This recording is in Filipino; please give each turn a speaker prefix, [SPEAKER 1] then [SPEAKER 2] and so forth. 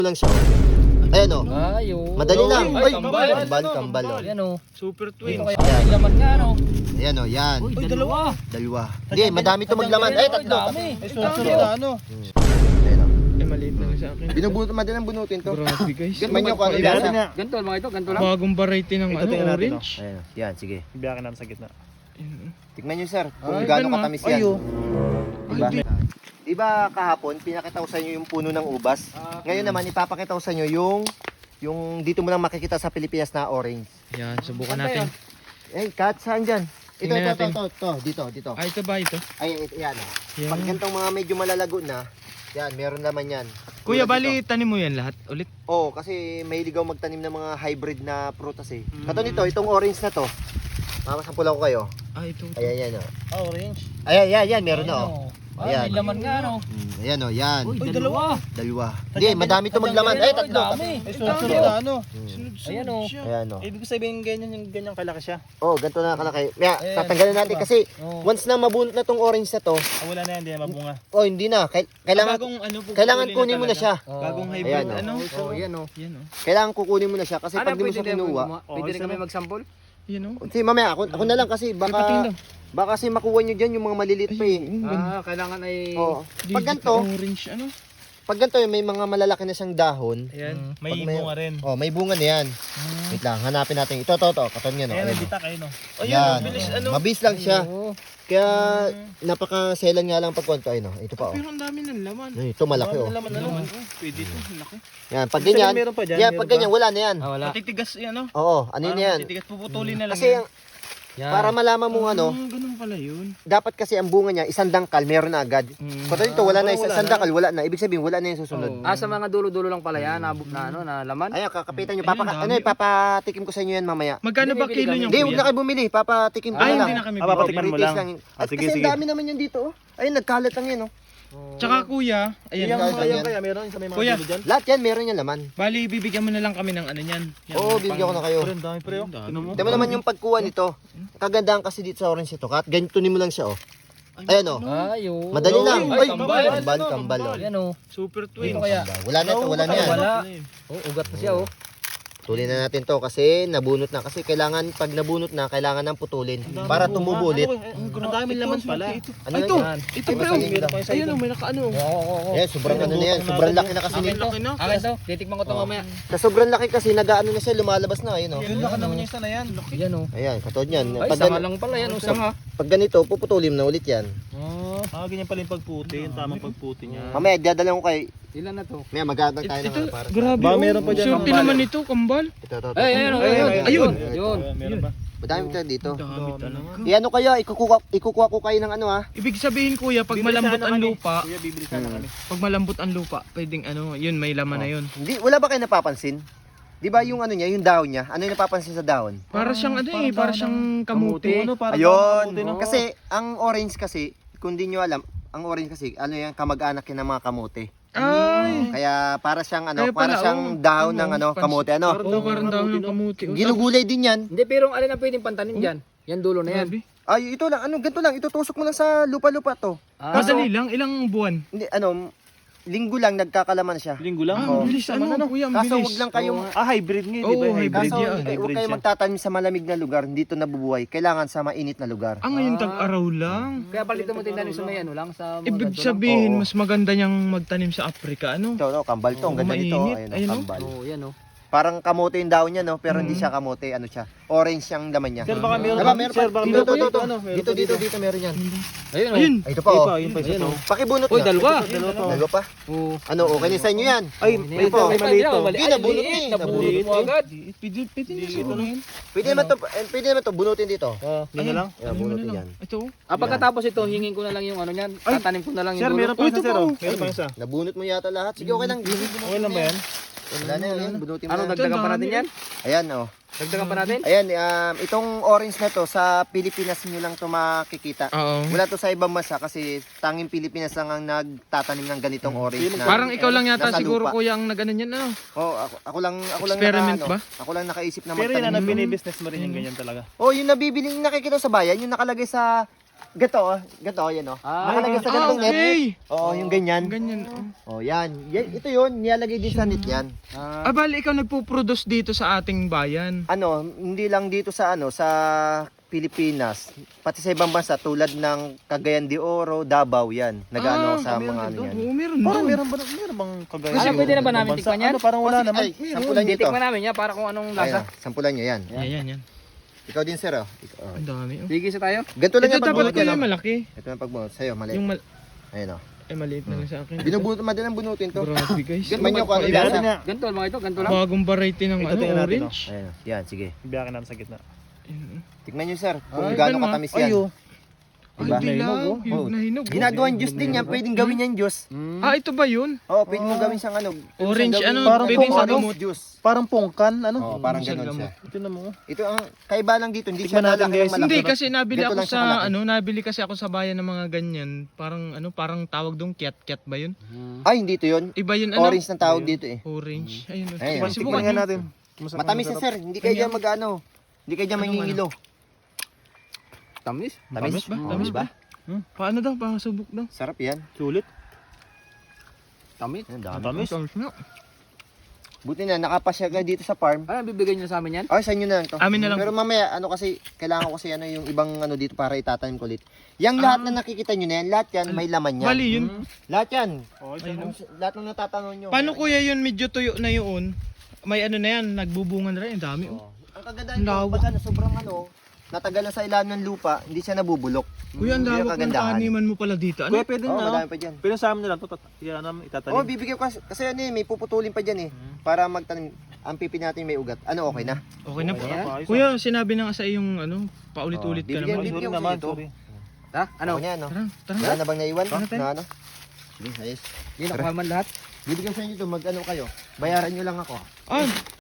[SPEAKER 1] lang siya. Ayan o.
[SPEAKER 2] Ayo.
[SPEAKER 1] Madali lang. Ay,
[SPEAKER 2] kambal.
[SPEAKER 1] kambal o.
[SPEAKER 2] Yan o.
[SPEAKER 3] Super twins.
[SPEAKER 2] Ito kaya may laman nga no.
[SPEAKER 1] Ayan o, yan.
[SPEAKER 2] Uy, dalawa.
[SPEAKER 1] Dalawa. Hindi, madami ito maglaman. Ay, tatlo.
[SPEAKER 2] Dami.
[SPEAKER 3] Sunod na ano?
[SPEAKER 1] Ayan o.
[SPEAKER 3] Eh, maliit lang sa akin.
[SPEAKER 1] Madalang bunutin to.
[SPEAKER 3] Grabe guys.
[SPEAKER 1] Ganyan nyo kung ano
[SPEAKER 3] Ibiyakin
[SPEAKER 1] lasa.
[SPEAKER 3] na.
[SPEAKER 2] Ganito mga ito, ganito lang.
[SPEAKER 3] Bagong variety ng
[SPEAKER 4] Ito,
[SPEAKER 3] ano,
[SPEAKER 4] tingnan natin,
[SPEAKER 3] orange.
[SPEAKER 1] Ayan o. Yan, sige.
[SPEAKER 4] Ibiyakin natin sa gitna.
[SPEAKER 1] Tikman nyo sir, kung
[SPEAKER 3] Ay,
[SPEAKER 1] gaano
[SPEAKER 3] ganun,
[SPEAKER 1] katamis yan.
[SPEAKER 3] Ayo.
[SPEAKER 1] Diba? Diba kahapon, pinakita ko sa inyo yung puno ng ubas. Ngayon naman, ipapakita ko sa inyo yung dito mo lang makikita sa Pilipinas na orange.
[SPEAKER 3] Yan, subukan natin.
[SPEAKER 1] Eh, Kat, saan dyan? Ito,
[SPEAKER 3] Tingnan
[SPEAKER 1] ito,
[SPEAKER 3] natin.
[SPEAKER 1] dito.
[SPEAKER 3] Ah, ito ba ito?
[SPEAKER 1] Ay, yan o.
[SPEAKER 3] Yan.
[SPEAKER 1] Pag ganitong mga medyo malalago na, yan, meron naman yan.
[SPEAKER 3] Kuya,
[SPEAKER 1] Tulad
[SPEAKER 3] bali
[SPEAKER 1] nito.
[SPEAKER 3] tanim mo yan lahat ulit.
[SPEAKER 1] Oo, kasi mahilig ako magtanim ng mga hybrid na prutas eh. Kato nito, itong orange na to. Mamasampulan ko kayo.
[SPEAKER 3] Ah, ito.
[SPEAKER 1] Ayan, yan o.
[SPEAKER 4] Orange.
[SPEAKER 1] Ayan, yan, meron na o.
[SPEAKER 2] Ay, may laman nga no.
[SPEAKER 1] Ayan o, yan.
[SPEAKER 2] Uy, dalawa.
[SPEAKER 1] Dalawa. Hindi, madami ito maglaman. Ay, tatlo.
[SPEAKER 2] Dami.
[SPEAKER 4] Sunod na ano?
[SPEAKER 2] Ayan o.
[SPEAKER 1] Ayan o.
[SPEAKER 4] Ibig sabihin ganyan kalaki siya.
[SPEAKER 1] Oh, ganito na kalaki. Kaya, tatanggalin natin kasi once na mabunot na tong orange na to,
[SPEAKER 4] Ah, wala na yan, hindi na mabunga.
[SPEAKER 1] oh, hindi na. Kailangan,
[SPEAKER 3] Bagong ano,
[SPEAKER 1] kailangan kunin mo na siya.
[SPEAKER 3] Bagong
[SPEAKER 2] Oh.
[SPEAKER 3] hybrid,
[SPEAKER 1] Ayan, oh.
[SPEAKER 3] ano?
[SPEAKER 2] Oh, yan o.
[SPEAKER 3] Yan o.
[SPEAKER 1] Kailangan kukunin mo na siya kasi
[SPEAKER 2] Ano,
[SPEAKER 1] pag di mo
[SPEAKER 2] pwede
[SPEAKER 1] siya kinuha.
[SPEAKER 2] pwede rin kami mag-sample?
[SPEAKER 3] Yan o.
[SPEAKER 1] Sige, mamaya, ako na lang kasi
[SPEAKER 3] Patingin daw.
[SPEAKER 1] baka kasi makuha nyo dyan yung mga maliliit pa eh.
[SPEAKER 2] Kailangan ay...
[SPEAKER 1] Oh.
[SPEAKER 3] Di-
[SPEAKER 1] Pag
[SPEAKER 3] di-
[SPEAKER 1] ganito,
[SPEAKER 3] Orange, ano?
[SPEAKER 1] pag ganito may mga malalaki na siyang dahon.
[SPEAKER 3] Ayan.
[SPEAKER 4] May
[SPEAKER 1] Pag may-
[SPEAKER 4] bunga rin.
[SPEAKER 1] Oh, may bunga na yan. Wait lang, hanapin natin. Ito, katon yan.
[SPEAKER 4] Ayan,
[SPEAKER 1] Ayan,
[SPEAKER 4] nabitak ayun, no?
[SPEAKER 1] Yan.
[SPEAKER 3] bilis, ano?
[SPEAKER 1] Mabilis lang siya.
[SPEAKER 2] Oo.
[SPEAKER 1] Kaya napaka-selan nga lang pag kwento. Ayun, ito pa oh.
[SPEAKER 3] Pero ang dami ng laman.
[SPEAKER 1] Ito malaki oh.
[SPEAKER 4] Laman.
[SPEAKER 3] Pwede ito, laki.
[SPEAKER 1] Yan, pag
[SPEAKER 4] Ibig sabihin,
[SPEAKER 1] ganyan.
[SPEAKER 4] meron pa dyan,
[SPEAKER 1] Yan,
[SPEAKER 4] meron
[SPEAKER 1] pag
[SPEAKER 4] pa.
[SPEAKER 1] ganyan, wala na yan.
[SPEAKER 2] Ah, wala.
[SPEAKER 3] Matitigas yan, ano?
[SPEAKER 1] Oo, ano yun yan?
[SPEAKER 3] Matitigas, puputulin na lang
[SPEAKER 1] Kasi
[SPEAKER 3] yan.
[SPEAKER 2] Yan.
[SPEAKER 1] para malaman mo ano,
[SPEAKER 3] Ganun pala yun.
[SPEAKER 1] dapat kasi ang bunga niya, isang dangkal, meron na agad. Pag dito, wala na, isang dangkal, wala na. Ibig sabihin, wala na yung susunod.
[SPEAKER 2] Sa mga dulo-dulo lang pala yan, na laman.
[SPEAKER 1] Ayan, kakapitan nyo.
[SPEAKER 3] Ayun, dami, oh.
[SPEAKER 1] Papatikim ko sa inyo yan mamaya.
[SPEAKER 3] Magkano ba
[SPEAKER 2] Hindi,
[SPEAKER 3] kilo
[SPEAKER 2] bibili
[SPEAKER 3] niyo,
[SPEAKER 1] Hindi, huwag na
[SPEAKER 3] kuya?
[SPEAKER 1] kayo bumili. Papatikim ko
[SPEAKER 3] Ay,
[SPEAKER 1] na lang.
[SPEAKER 3] hindi na kami
[SPEAKER 4] Ah,
[SPEAKER 3] bibili.
[SPEAKER 4] papatikman mo
[SPEAKER 1] Pre-taste
[SPEAKER 4] lang.
[SPEAKER 1] At
[SPEAKER 4] Sige,
[SPEAKER 1] kasi
[SPEAKER 4] sige.
[SPEAKER 1] ang dami naman yan dito. Oh. Ayun, nagkalat lang yan. Oh.
[SPEAKER 3] Tsaka kuya, ayan.
[SPEAKER 4] Yung
[SPEAKER 1] Ayan,
[SPEAKER 4] mga
[SPEAKER 1] ayan.
[SPEAKER 4] yan kaya meron sa may mga
[SPEAKER 3] Kuya.
[SPEAKER 4] dulo dyan.
[SPEAKER 1] Lahat yan, meron yan laman.
[SPEAKER 3] Bali, bibigyan mo na lang kami ng ano yan. Yan,
[SPEAKER 1] Oo, bibigyan ko na kayo.
[SPEAKER 4] Pero ang dami pre, oh.
[SPEAKER 3] Ang dami.
[SPEAKER 4] Tingnan mo.
[SPEAKER 1] Tignan mo naman yung pagkuha nito. Kagandahan kasi dito sa orange ito, Kat. Ganito mo lang siya, oh. Ayan, oh.
[SPEAKER 2] Ayo.
[SPEAKER 1] Madali lang.
[SPEAKER 2] Ay,
[SPEAKER 1] Ay,
[SPEAKER 2] kambal.
[SPEAKER 1] kambal, oh.
[SPEAKER 2] Yan o.
[SPEAKER 3] Super
[SPEAKER 2] Ito
[SPEAKER 3] twins.
[SPEAKER 2] kaya.
[SPEAKER 1] Wala na ito, wala na yan.
[SPEAKER 2] Wala. Oh, ugat na siya oh.
[SPEAKER 1] Putulin na natin to kasi nabunot na. Kasi kailangan, pag nabunot na, kailangan ng putulin. Para tumubo ulit.
[SPEAKER 4] Ang dami laman pala.
[SPEAKER 1] Ano
[SPEAKER 3] Ay, ito.
[SPEAKER 1] yan?
[SPEAKER 3] Ito,
[SPEAKER 1] Ay,
[SPEAKER 3] bro.
[SPEAKER 1] masaling lang.
[SPEAKER 3] Ayun, may nakaano.
[SPEAKER 2] Oo.
[SPEAKER 1] Ayan, sobrang ano na yan. Sobrang laki na kasi
[SPEAKER 2] Akin
[SPEAKER 1] nito.
[SPEAKER 2] to. Akin to. Titikman ko to mamaya.
[SPEAKER 1] Sa sobrang laki kasi, nag-ano na siya, lumalabas na. Ayun, oh.
[SPEAKER 4] Yung laki naman yung isa na yan.
[SPEAKER 2] Yan oh.
[SPEAKER 1] Ayan, katod yan.
[SPEAKER 2] Ay,
[SPEAKER 1] Pag,
[SPEAKER 2] sanga lang pala yan. Oh, sanga.
[SPEAKER 1] pag ganito, puputulin na ulit yan.
[SPEAKER 4] Ganyan pala yung pagputi. Yung tamang pagputi niya.
[SPEAKER 1] Mamaya, dadala ko kay...
[SPEAKER 2] Ilan na to?
[SPEAKER 1] Mamaya, magagag tayo
[SPEAKER 3] Ito,
[SPEAKER 1] ng para sa...
[SPEAKER 3] grabe.
[SPEAKER 4] Ba,
[SPEAKER 3] oh.
[SPEAKER 4] meron pa dyan,
[SPEAKER 3] Swerte
[SPEAKER 4] kambal.
[SPEAKER 3] naman ito, kambal.
[SPEAKER 1] Ito.
[SPEAKER 2] Ay, ayun.
[SPEAKER 3] Ayun.
[SPEAKER 2] Yun.
[SPEAKER 4] Meron ba?
[SPEAKER 1] Madami tayo dito.
[SPEAKER 3] Dami talaga.
[SPEAKER 1] Ano kayo, ikukuha ko kayo ng ano ha.
[SPEAKER 3] Ibig sabihin kuya, pag
[SPEAKER 4] Bibili
[SPEAKER 3] malambot
[SPEAKER 4] sana
[SPEAKER 3] ang
[SPEAKER 4] kami.
[SPEAKER 3] lupa,
[SPEAKER 4] Kuya, bibili sana kami.
[SPEAKER 3] pag malambot ang lupa, pwedeng ano, yun, may laman na yun.
[SPEAKER 1] Hindi, wala ba kayo napapansin? Di ba yung ano niya, yung dahon niya, ano yung napapansin sa dahon?
[SPEAKER 3] Para siyang ano eh, para siyang kamuti.
[SPEAKER 4] Ano, parang
[SPEAKER 1] Ayun,
[SPEAKER 4] kamuti, no?
[SPEAKER 1] kasi ang orange kasi, kung di nyo alam, ang orange kasi, ano yan, kamag-anak yan ng mga kamote.
[SPEAKER 3] Ay!
[SPEAKER 1] Kaya para siyang ano,
[SPEAKER 3] Kaya
[SPEAKER 1] para
[SPEAKER 3] pala,
[SPEAKER 1] siyang
[SPEAKER 3] oh.
[SPEAKER 1] dahon
[SPEAKER 3] Ano,
[SPEAKER 1] ng ano,
[SPEAKER 3] pansin.
[SPEAKER 1] kamote ano.
[SPEAKER 3] Oo, parang daw ng kamuti. Oh,
[SPEAKER 1] Ginugulay din yan.
[SPEAKER 2] Hindi, pero alin ang pwedeng pantanim dyan? Yan dulo na yan.
[SPEAKER 3] grabe.
[SPEAKER 1] Ay, ito lang, ano, ganito lang, itutusok mo lang sa lupa-lupa to.
[SPEAKER 3] Madali lang, ilang buwan?
[SPEAKER 1] Hindi, ano, linggo lang nagkakalaman siya.
[SPEAKER 4] Linggo lang.
[SPEAKER 3] Ah, ang bilis ano, kuya, ang
[SPEAKER 1] Kaso
[SPEAKER 3] bilis.
[SPEAKER 1] wag lang kayong,
[SPEAKER 4] Hybrid nga, di ba?
[SPEAKER 3] Oo, hybrid
[SPEAKER 1] kaso
[SPEAKER 3] yan.
[SPEAKER 1] huwag kayong magtatanim sa malamig na lugar, dito nabubuhay. Kailangan sa mainit na lugar.
[SPEAKER 3] Ah, ngayon tag-araw lang.
[SPEAKER 2] Kaya palitan mo tinanim sa may ano lang sa mga
[SPEAKER 3] Ibig
[SPEAKER 2] ganito lang.
[SPEAKER 3] sabihin,
[SPEAKER 1] Oo.
[SPEAKER 3] mas maganda niyang magtanim sa Afrika, ano?
[SPEAKER 1] Ito, no, kambal to, ang ganda nito.
[SPEAKER 3] mainit,
[SPEAKER 1] Ayun,
[SPEAKER 3] ayun, no?
[SPEAKER 1] kambal.
[SPEAKER 2] Oo, yan oh.
[SPEAKER 1] Parang kamote yung daon niya, no? Pero hindi siya kamote, ano siya? Orange yung laman niya.
[SPEAKER 4] Sir, baka meron
[SPEAKER 1] Diba,
[SPEAKER 4] pa.
[SPEAKER 1] meron
[SPEAKER 4] Sir,
[SPEAKER 1] pa.
[SPEAKER 4] baka
[SPEAKER 1] Dito,
[SPEAKER 4] meron pa
[SPEAKER 1] dito,
[SPEAKER 4] ano, meron
[SPEAKER 1] dito,
[SPEAKER 4] pa
[SPEAKER 1] dito, meron yan.
[SPEAKER 2] Ayun oh.
[SPEAKER 3] Ayun!
[SPEAKER 1] Ay, ito pa, oh.
[SPEAKER 4] Yun pa, isa
[SPEAKER 2] Ayun
[SPEAKER 4] to.
[SPEAKER 2] oh.
[SPEAKER 1] Pakibunot
[SPEAKER 2] Uy,
[SPEAKER 1] niya.
[SPEAKER 2] dalawa.
[SPEAKER 1] Dalawa pa?
[SPEAKER 2] Oo.
[SPEAKER 1] Ano, okay na sa inyo yan?
[SPEAKER 4] Ay,
[SPEAKER 1] Ayun po.
[SPEAKER 4] may maliit to.
[SPEAKER 1] Hindi, nabunot niya eh.
[SPEAKER 2] Nabunot mo agad.
[SPEAKER 3] Pwede na siguro yun.
[SPEAKER 1] Pwede naman to, bunutin dito.
[SPEAKER 4] Ganyan lang.
[SPEAKER 1] Ayan, bunutin yan.
[SPEAKER 3] Ito.
[SPEAKER 2] Pagkatapos ito, hingin ko na lang yung ano niyan. Tatanim ko na lang
[SPEAKER 4] Sir,
[SPEAKER 2] yung
[SPEAKER 4] meron
[SPEAKER 2] dulo.
[SPEAKER 4] pa
[SPEAKER 3] Ito
[SPEAKER 4] isa, sir.
[SPEAKER 3] pa,
[SPEAKER 4] oh.
[SPEAKER 3] oh.
[SPEAKER 4] Meron pa isa.
[SPEAKER 1] Nabunot mo yata lahat. Sige, okay lang.
[SPEAKER 4] Okay lang ba yan?
[SPEAKER 1] Wala na yan, bunutin mo
[SPEAKER 2] Ano,
[SPEAKER 1] na.
[SPEAKER 2] dagdagan pa natin yan?
[SPEAKER 1] Ayan, oh.
[SPEAKER 2] Dagdagan pa natin?
[SPEAKER 1] Ayan, itong orange na to, sa Pilipinas nyo lang to makikita.
[SPEAKER 3] Oo.
[SPEAKER 1] Wala to sa ibang bansa kasi tanging Pilipinas lang ang nagtatanim ng ganitong orange na.
[SPEAKER 3] Parang ikaw lang yata
[SPEAKER 1] nasa
[SPEAKER 3] siguro
[SPEAKER 1] lupa.
[SPEAKER 3] kuya ang naganan yan, ano?
[SPEAKER 1] Oh, ako lang
[SPEAKER 3] Experiment
[SPEAKER 1] naka,
[SPEAKER 3] ba?
[SPEAKER 1] Ako lang nakaisip na
[SPEAKER 4] Pero yun
[SPEAKER 1] magtanim.
[SPEAKER 4] na, binibusiness mo rin yung ganyan talaga.
[SPEAKER 1] Oh, yung nabibili nakikita sa bayan, yung nakalagay sa Gato, yan o. Nakalagay sa
[SPEAKER 3] Ah,
[SPEAKER 1] ganitong net.
[SPEAKER 3] okay.
[SPEAKER 1] Oo, yung ganyan.
[SPEAKER 3] Ganyan.
[SPEAKER 1] Oh, yan. Ito yun, nilalagay din sa net yan.
[SPEAKER 3] Ah, bali ikaw nagpo-produce dito sa ating bayan.
[SPEAKER 1] Ano, hindi lang dito sa sa Pilipinas, pati sa ibang bansa tulad ng Cagayan de Oro, Davao yan. Nag-ano sa mga ano yan.
[SPEAKER 3] Oo, meron
[SPEAKER 4] Parang
[SPEAKER 3] doon.
[SPEAKER 4] meron bang kagaya?
[SPEAKER 2] Ano, pwede na ba namin
[SPEAKER 4] Bansa?
[SPEAKER 2] tikman yan?
[SPEAKER 4] Ano, parang wala naman.
[SPEAKER 1] Ay, sampulan nyo ito.
[SPEAKER 2] Titikman namin yan para kung anong
[SPEAKER 1] Ayan,
[SPEAKER 2] lasa.
[SPEAKER 1] sampulan nyo yan.
[SPEAKER 3] Yan.
[SPEAKER 1] Ikaw din, sir. Oh. Oh.
[SPEAKER 3] Ang dami. Oh.
[SPEAKER 2] Sige sa tayo.
[SPEAKER 1] Ganito lang
[SPEAKER 3] Ito
[SPEAKER 1] yung
[SPEAKER 3] dapat
[SPEAKER 1] pagbunot
[SPEAKER 3] ko
[SPEAKER 1] yan.
[SPEAKER 3] yung
[SPEAKER 1] Oh.
[SPEAKER 3] malaki.
[SPEAKER 1] Ito yung pagbunot. Sa'yo, mali.
[SPEAKER 3] Yung
[SPEAKER 1] Ayun o.
[SPEAKER 3] maliit na lang sa akin.
[SPEAKER 1] Binubunot, madalang bunutin to.
[SPEAKER 3] Grabe guys.
[SPEAKER 1] Tikman nyo kung ano
[SPEAKER 4] Biyakin
[SPEAKER 1] lasa.
[SPEAKER 4] nga.
[SPEAKER 2] Ganito mga ito, ganito lang.
[SPEAKER 3] Bagong variety ng
[SPEAKER 4] Ito,
[SPEAKER 3] ano,
[SPEAKER 4] tingnan natin,
[SPEAKER 3] orange.
[SPEAKER 1] Ayun o. Yan, sige.
[SPEAKER 4] Biyakin natin sa gitna.
[SPEAKER 3] Ayun.
[SPEAKER 1] Tikman nyo, sir. Kung
[SPEAKER 3] Ay,
[SPEAKER 1] gaano
[SPEAKER 3] ganun,
[SPEAKER 1] katamis
[SPEAKER 3] ah.
[SPEAKER 1] yan.
[SPEAKER 4] Ayo.
[SPEAKER 1] Diba?
[SPEAKER 3] Ay, dilaw.
[SPEAKER 1] Oh.
[SPEAKER 3] Hinog na hinog.
[SPEAKER 1] Ginagawang juice din yan. Pwedeng gawin yan juice.
[SPEAKER 3] Ah, ito ba yun?
[SPEAKER 1] Oo, pwede mo gawin siyang ano.
[SPEAKER 3] Orange,
[SPEAKER 1] gawin-
[SPEAKER 3] ano,
[SPEAKER 4] Parang
[SPEAKER 3] pwede
[SPEAKER 4] kung
[SPEAKER 3] sa
[SPEAKER 4] ano,
[SPEAKER 3] gamot.
[SPEAKER 1] juice.
[SPEAKER 4] Parang pungkan, ano?
[SPEAKER 1] Oo, parang
[SPEAKER 3] Sa
[SPEAKER 1] ganun
[SPEAKER 3] gamot.
[SPEAKER 1] siya.
[SPEAKER 4] Ito na mo.
[SPEAKER 1] Ito ang kaiba lang dito. Hindi siya
[SPEAKER 4] Tikman natin,
[SPEAKER 1] lalaki
[SPEAKER 4] guys.
[SPEAKER 1] ng malaki.
[SPEAKER 3] Hindi kasi nabili
[SPEAKER 1] Ganito
[SPEAKER 3] ako
[SPEAKER 1] lang siya
[SPEAKER 3] sa
[SPEAKER 1] kalaki.
[SPEAKER 3] nabili kasi ako sa bayan ng mga ganyan. Parang tawag dong kiat ba yun?
[SPEAKER 1] Ay, hindi to yun.
[SPEAKER 3] Iba yun ano?
[SPEAKER 1] Orange ng tawag dito eh.
[SPEAKER 3] Orange. Ayun.
[SPEAKER 1] Ayun.
[SPEAKER 3] Subukan
[SPEAKER 4] Tikman nga
[SPEAKER 3] nyo.
[SPEAKER 4] natin. Masarap,
[SPEAKER 1] Matamis na
[SPEAKER 4] masarap.
[SPEAKER 1] sir. Hindi kayo dyan mag-ano. Hindi kayo dyan
[SPEAKER 3] Anong
[SPEAKER 1] mangingilo.
[SPEAKER 2] Tamis.
[SPEAKER 3] Tamis ba?
[SPEAKER 1] Oo,
[SPEAKER 3] Tamis
[SPEAKER 1] diba?
[SPEAKER 3] Paano daw? Pasubok daw.
[SPEAKER 1] Sarap yan.
[SPEAKER 4] Sulit.
[SPEAKER 2] Tamis.
[SPEAKER 1] Ang dami.
[SPEAKER 4] Matamis.
[SPEAKER 3] Tamis na.
[SPEAKER 1] Buti na, nakapasya ka dito sa farm.
[SPEAKER 2] Ano, bibigay niyo sa amin yan?
[SPEAKER 1] Ay, sa inyo na lang to.
[SPEAKER 3] Amin na lang.
[SPEAKER 1] Pero mamaya, kasi, kailangan ko kasi yung ibang dito para itatanim ko ulit. Yang lahat na nakikita nyo na yan, lahat yan, may laman yan.
[SPEAKER 3] Mali yun.
[SPEAKER 1] Lahat yan.
[SPEAKER 4] Oh,
[SPEAKER 1] Lahat ng natatanong nyo.
[SPEAKER 3] Paano kuya yun medyo tuyo na yun? May ano na yan, nagbubungan na rin. Ang dami. Oh.
[SPEAKER 1] Ang kaganda
[SPEAKER 3] Ang
[SPEAKER 1] nito,
[SPEAKER 3] lawak.
[SPEAKER 1] pag sobrang natagal na sa ilalim ng lupa, hindi siya nabubulok.
[SPEAKER 3] Kuya, ang
[SPEAKER 1] Yun yung
[SPEAKER 3] lawak ng
[SPEAKER 1] kagandahan.
[SPEAKER 3] taniman mo pala dito.
[SPEAKER 4] Kuya,
[SPEAKER 3] Ano?
[SPEAKER 4] pwede
[SPEAKER 1] Oo,
[SPEAKER 4] na.
[SPEAKER 1] madami pa dyan.
[SPEAKER 4] Pwede sa amin na lang to. Yan namin
[SPEAKER 1] Oo,
[SPEAKER 4] itatanim.
[SPEAKER 1] bibigyan ko kasi may puputulin pa dyan eh. Para magtanim. Ang pipi natin may ugat. Ano, okay na?
[SPEAKER 3] Okay na po.
[SPEAKER 2] Ayan.
[SPEAKER 3] Kuya, sinabi na nga sa iyong paulit-ulit ka
[SPEAKER 1] bibigyan-
[SPEAKER 3] naman.
[SPEAKER 1] bibigyan
[SPEAKER 4] Sorry
[SPEAKER 1] ko
[SPEAKER 4] naman,
[SPEAKER 1] sa ito.
[SPEAKER 4] sorry.
[SPEAKER 2] Ha? Ano?
[SPEAKER 1] Okay na, no?
[SPEAKER 3] Tara.
[SPEAKER 1] Wala na bang naiwan?
[SPEAKER 3] Ano tayo?
[SPEAKER 1] Na ano? Sige, ayos.
[SPEAKER 2] Hindi, nakuha man lahat.
[SPEAKER 1] Bibigyan sa inyo ito, mag-ano kayo. Bayaran nyo lang ako.
[SPEAKER 3] Ah,